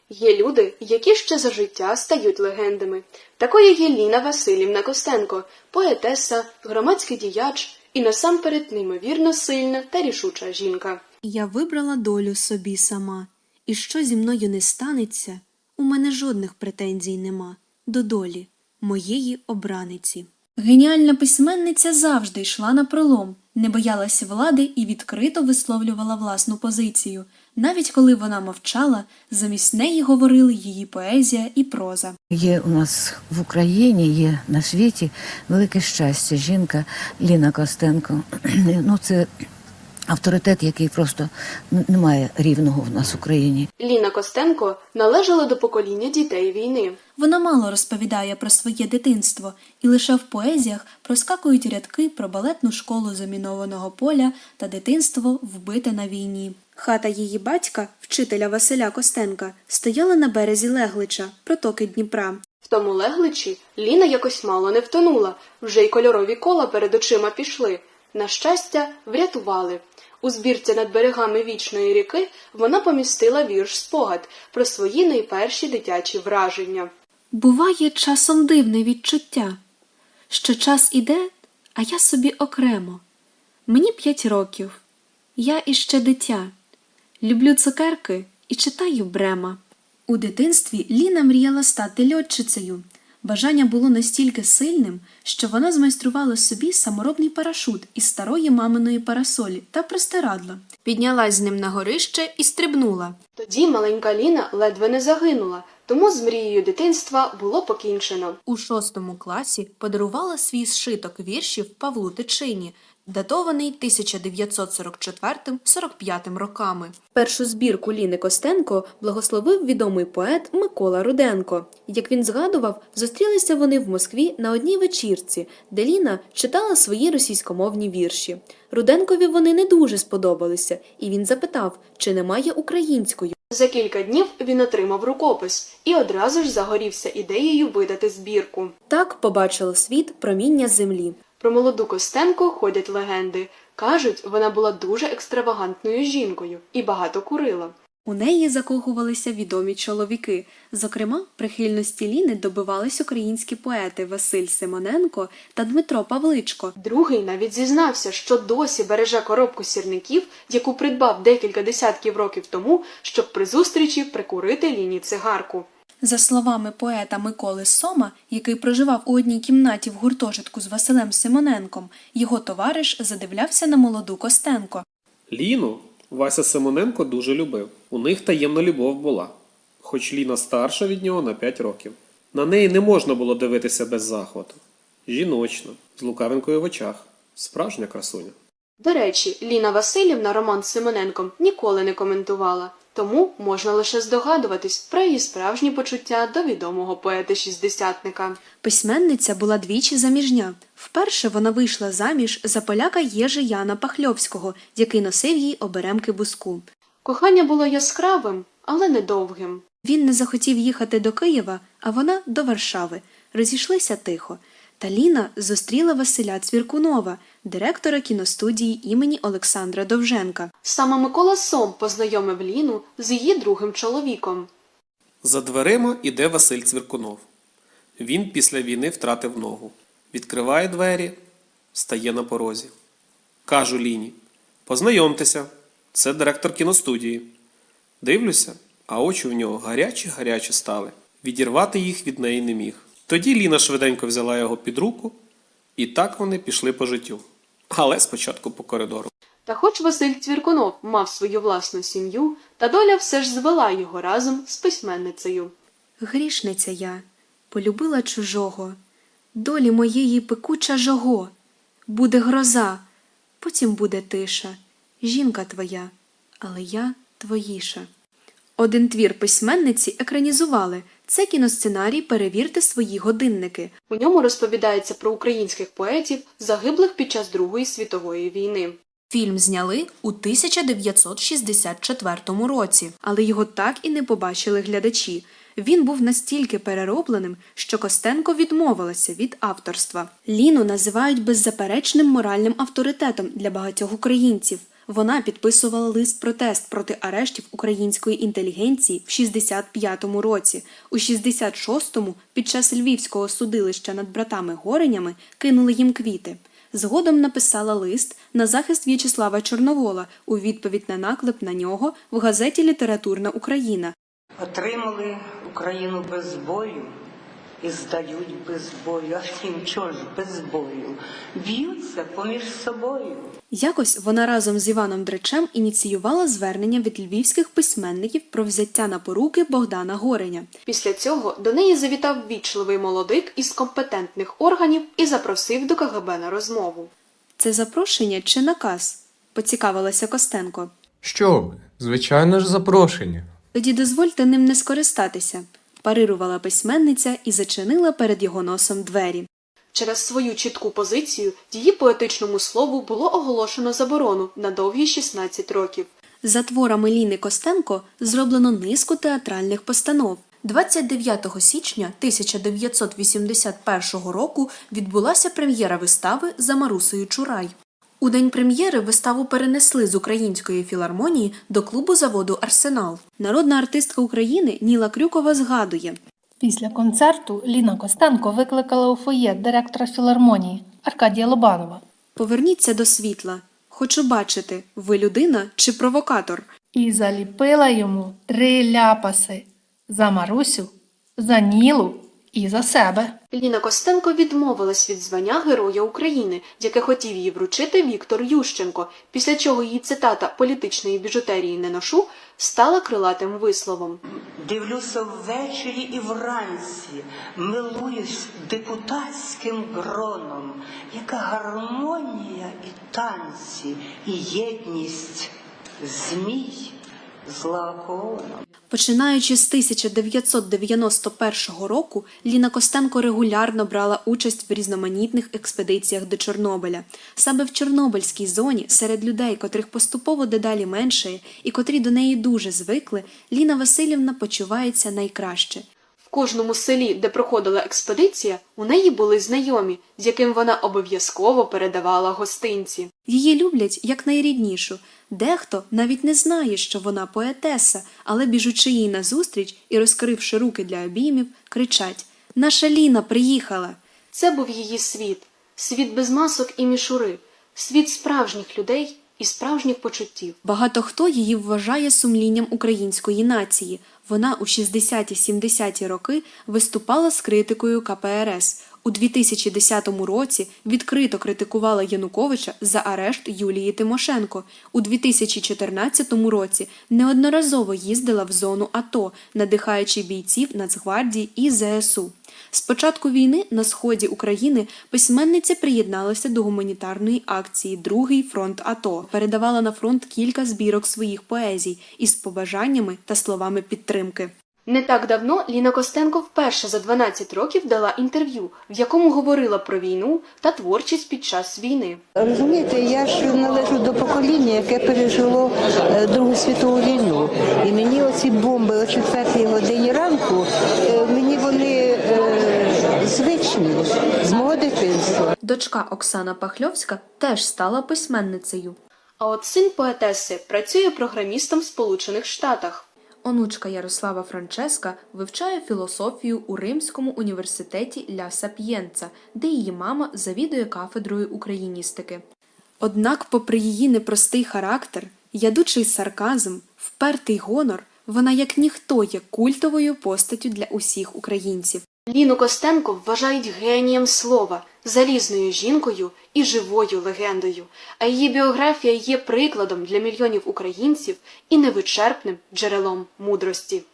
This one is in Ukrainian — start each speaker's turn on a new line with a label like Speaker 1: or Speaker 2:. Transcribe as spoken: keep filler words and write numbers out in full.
Speaker 1: Є люди, які ще за життя стають легендами. Такою є Ліна Василівна Костенко, поетеса, громадський діяч і насамперед неймовірно сильна та рішуча жінка.
Speaker 2: Я вибрала долю собі сама, і що зі мною не станеться, у мене жодних претензій нема до долі моєї обраниці. Геніальна письменниця завжди йшла на пролом, не боялася влади і відкрито висловлювала власну позицію. Навіть коли вона мовчала, замість неї говорили її поезія і проза.
Speaker 3: Є у нас в Україні, є на світі велике щастя. Жінка Ліна Костенко. Ну, це авторитет, який просто не має рівного в нас в Україні.
Speaker 1: Ліна Костенко належала до покоління дітей війни.
Speaker 2: Вона мало розповідає про своє дитинство, і лише в поезіях проскакують рядки про балетну школу замінованого поля та дитинство, вбите на війні. Хата її батька, вчителя Василя Костенка, стояла на березі Леглича, протоки Дніпра.
Speaker 1: В тому Легличі Ліна якось мало не втонула, вже й кольорові кола перед очима пішли. На щастя, врятували. У збірці «Над берегами вічної ріки» вона помістила вірш-спогад про свої найперші дитячі враження.
Speaker 2: Буває часом дивне відчуття, що час іде, а я собі окремо. Мені п'ять років, я іще дитя. Люблю цукерки і читаю Брема. У дитинстві Ліна мріяла стати льотчицею. Бажання було настільки сильним, що вона змайструвала собі саморобний парашут із старої маминої парасолі та простирадла. Піднялась з ним на горище і стрибнула.
Speaker 1: Тоді маленька Ліна ледве не загинула, тому з мрією дитинства було покінчено.
Speaker 2: У шостому класі подарувала свій зшиток віршів Павлу Тичині, датований тисяча дев'ятсот сорок четвертим — сорок п'ятим роками. Першу збірку Ліни Костенко благословив відомий поет Микола Руденко. Як він згадував, зустрілися вони в Москві на одній вечірці, де Ліна читала свої російськомовні вірші. Руденкові вони не дуже сподобалися, і він запитав, чи немає української.
Speaker 1: За кілька днів він отримав рукопис і одразу ж загорівся ідеєю видати збірку.
Speaker 2: Так побачило світ проміння землі.
Speaker 1: Про молоду Костенко ходять легенди. Кажуть, вона була дуже екстравагантною жінкою і багато курила.
Speaker 2: У неї закохувалися відомі чоловіки. Зокрема, прихильності Ліни добивались українські поети Василь Симоненко та Дмитро Павличко.
Speaker 1: Другий навіть зізнався, що досі береже коробку сірників, яку придбав декілька десятків років тому, щоб при зустрічі прикурити Ліні цигарку.
Speaker 2: За словами поета Миколи Сома, який проживав у одній кімнаті в гуртожитку з Василем Симоненком, його товариш задивлявся на молоду Костенко.
Speaker 4: Ліну Вася Симоненко дуже любив. У них таємна любов була, хоч Ліна старша від нього на п'ять років. На неї не можна було дивитися без захвату. Жіночна, з лукавинкою в очах, справжня красуня.
Speaker 1: До речі, Ліна Василівна роман з Симоненком ніколи не коментувала, тому можна лише здогадуватись про її справжні почуття до відомого поета-шістдесятника.
Speaker 2: Письменниця була двічі заміжня. Вперше вона вийшла заміж за поляка Єжи Яна Пахльовського, який носив їй оберемки буску.
Speaker 1: Кохання було яскравим, але недовгим.
Speaker 2: Він не захотів їхати до Києва, а вона – до Варшави. Розійшлися тихо. Та Ліна зустріла Василя Цвіркунова, директора кіностудії імені Олександра Довженка.
Speaker 1: Саме Микола Сом познайомив Ліну з її другим чоловіком.
Speaker 4: За дверима іде Василь Цвіркунов. Він після війни втратив ногу. Відкриває двері, стає на порозі. Кажу Ліні: познайомтеся, це директор кіностудії. Дивлюся, а очі в нього гарячі-гарячі стали. Відірвати їх від неї не міг. Тоді Ліна швиденько взяла його під руку, і так вони пішли по життю. Але спочатку по коридору.
Speaker 1: Та хоч Василь Цвіркунов мав свою власну сім'ю, та доля все ж звела його разом з письменницею.
Speaker 2: Грішниця я, полюбила чужого, долі моєї пекуча жого. Буде гроза, потім буде тиша, жінка твоя, але я твоїша. Один твір письменниці екранізували. Це кіносценарій «Перевірте свої годинники».
Speaker 1: У ньому розповідається про українських поетів, загиблих під час Другої світової війни.
Speaker 2: Фільм зняли у тисяча дев'ятсот шістдесят четвертому році, але його так і не побачили глядачі. Він був настільки переробленим, що Костенко відмовилася від авторства. Ліну називають беззаперечним моральним авторитетом для багатьох українців. Вона підписувала лист-протест проти арештів української інтелігенції в шістдесят п'ятому році. У шістдесят шостому під час львівського судилища над братами Горенями кинули їм квіти. Згодом написала лист на захист В'ячеслава Чорновола у відповідь на наклеп на нього в газеті «Літературна Україна».
Speaker 5: Отримали Україну без бою і здають без бою. А втім, чого ж без бою? Б'ються поміж собою.
Speaker 2: Якось вона разом з Іваном Дречем ініціювала звернення від львівських письменників про взяття на поруки Богдана Гореня.
Speaker 1: Після цього до неї завітав ввічливий молодик із компетентних органів і запросив до ка ге бе на розмову.
Speaker 2: Це запрошення чи наказ? Поцікавилася Костенко.
Speaker 6: Що ви? Звичайно ж, запрошення.
Speaker 2: Тоді дозвольте ним не скористатися, парирувала письменниця і зачинила перед його носом двері.
Speaker 1: Через свою чітку позицію її поетичному слову було оголошено заборону на довгі шістнадцять років.
Speaker 2: За творами Ліни Костенко зроблено низку театральних постанов. двадцять дев'ятого січня тисяча дев'ятсот вісімдесят першого року відбулася прем'єра вистави «За Марусею Чурай». У день прем'єри виставу перенесли з Української філармонії до клубу заводу «Арсенал». Народна артистка України Ніла Крюкова згадує.
Speaker 7: Після концерту Ліна Костенко викликала у фоє директора філармонії Аркадія Лобанова.
Speaker 2: «Поверніться до світла. Хочу бачити, ви людина чи провокатор?»
Speaker 7: І заліпила йому три ляпаси – за Марусю, за Нілу і за себе.
Speaker 1: Ліна Костенко відмовилась від звання Героя України, яке хотів їй вручити Віктор Ющенко, після чого її цитата «політичної біжутерії не ношу» стала крилатим висловом.
Speaker 5: Дивлюся ввечері і вранці, милуюсь депутатським гроном, яка гармонія і танці, і єдність змій з лаконом.
Speaker 2: Починаючи з тисяча дев'ятсот дев'яносто першого року, Ліна Костенко регулярно брала участь в різноманітних експедиціях до Чорнобиля. Саме в Чорнобильській зоні, серед людей, котрих поступово дедалі меншає і котрі до неї дуже звикли, Ліна Василівна почувається найкраще.
Speaker 1: В кожному селі, де проходила експедиція, у неї були знайомі, з яким вона обов'язково передавала гостинці.
Speaker 2: Її люблять як найріднішу. Дехто навіть не знає, що вона поетеса, але біжучи їй назустріч і розкривши руки для обіймів, кричать «Наша Ліна приїхала!».
Speaker 1: Це був її світ. Світ без масок і мішури. Світ справжніх людей і справжніх почуттів.
Speaker 2: Багато хто її вважає сумлінням української нації. Вона у шістдесяті-сімдесяті роки виступала з критикою ка пе ер ес. У дві тисячі десятому році відкрито критикувала Януковича за арешт Юлії Тимошенко. У дві тисячі чотирнадцятому році неодноразово їздила в зону АТО, надихаючи бійців Нацгвардії і зе ес у. З початку війни на сході України письменниця приєдналася до гуманітарної акції «Другий фронт АТО», передавала на фронт кілька збірок своїх поезій із побажаннями та словами підтримки.
Speaker 1: Не так давно Ліна Костенко вперше за дванадцять років дала інтерв'ю, в якому говорила про війну та творчість під час війни.
Speaker 8: Розумієте, я ж належу до покоління, яке пережило е, Другу світову війну. І мені оці бомби о четвертій годині ранку, е, мені вони е, звичні з мого дитинства.
Speaker 2: Дочка Оксана Пахльовська теж стала письменницею.
Speaker 1: А от син поетеси працює програмістом в Сполучених Штатах.
Speaker 2: Онучка Ярослава Франческа вивчає філософію у Римському університеті Ля Сап'єнца, де її мама завідує кафедрою україністики. Однак, попри її непростий характер, ядучий сарказм, впертий гонор, вона як ніхто є культовою постаттю для усіх українців.
Speaker 1: Ліну Костенко вважають генієм слова, залізною жінкою і живою легендою, а її біографія є прикладом для мільйонів українців і невичерпним джерелом мудрості.